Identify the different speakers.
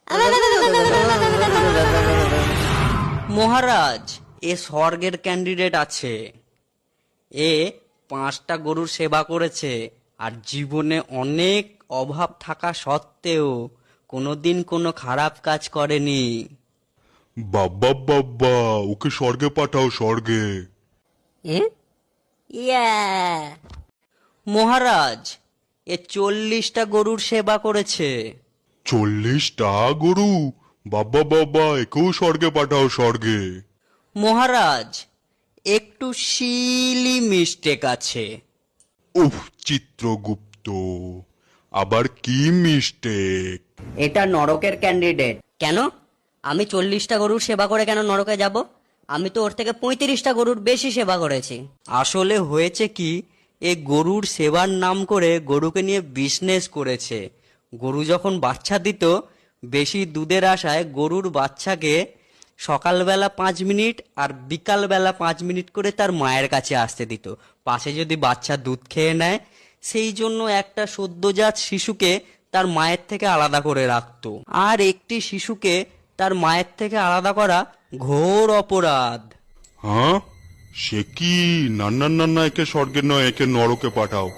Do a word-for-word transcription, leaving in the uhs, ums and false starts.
Speaker 1: মহারাজ, এ স্বর্গের ক্যান্ডিডেট আছে। এ পাঁচটা গরুর সেবা করেছে আর জীবনে অনেক অভাব থাকা সত্ত্বেও কোনোদিন কোনো খারাপ কাজ করেনি।
Speaker 2: বাব্বা বাব্বা, ওকে স্বর্গে পাঠাও, স্বর্গে।
Speaker 3: ইয়া
Speaker 1: মহারাজ, এ চল্লিশটা গরুর সেবা করেছে।
Speaker 2: চল্লিশটা গরু? বাব্বা বাব্বা, একেও স্বর্গে পাঠাও, স্বর্গে।
Speaker 1: মহারাজ, একটু সিলি মিস্টেক আছে।
Speaker 2: উফ, চিত্রগুপ্ত, আবার কি মিস্টেক?
Speaker 3: এটা নরকের ক্যান্ডিডেট।
Speaker 1: কেন? আমি চল্লিশটা গরুর সেবা করে কেন নরকে যাব? আমি তো ওর থেকে পঁয়ত্রিশটা গরুর বেশি সেবা করেছি। আসলে হয়েছে কি, এ গরুর সেবার নাম করে গরুকে নিয়ে বিজনেস করেছে। গরু যখন বাচ্চা দিত, বেশি দুধের আশায় গরুর বাচ্চাকে সকালবেলা পাঁচ মিনিট আর বিকালবেলা পাঁচ মিনিট করে তার মায়ের কাছে আসতে দিত। পাশে যদি বাচ্চা দুধ খেয়ে নেয়, সেই জন্য একটা সদ্যজাত শিশুকে তার মায়ের থেকে আলাদা করে রাখতো। আর একটি শিশুকে তার মায়ের থেকে আলাদা করা ঘোর অপরাধ।
Speaker 2: হ্যাঁ, সে কি? না না না না, একে স্বর্গে নয়, একে নরকে পাঠাও।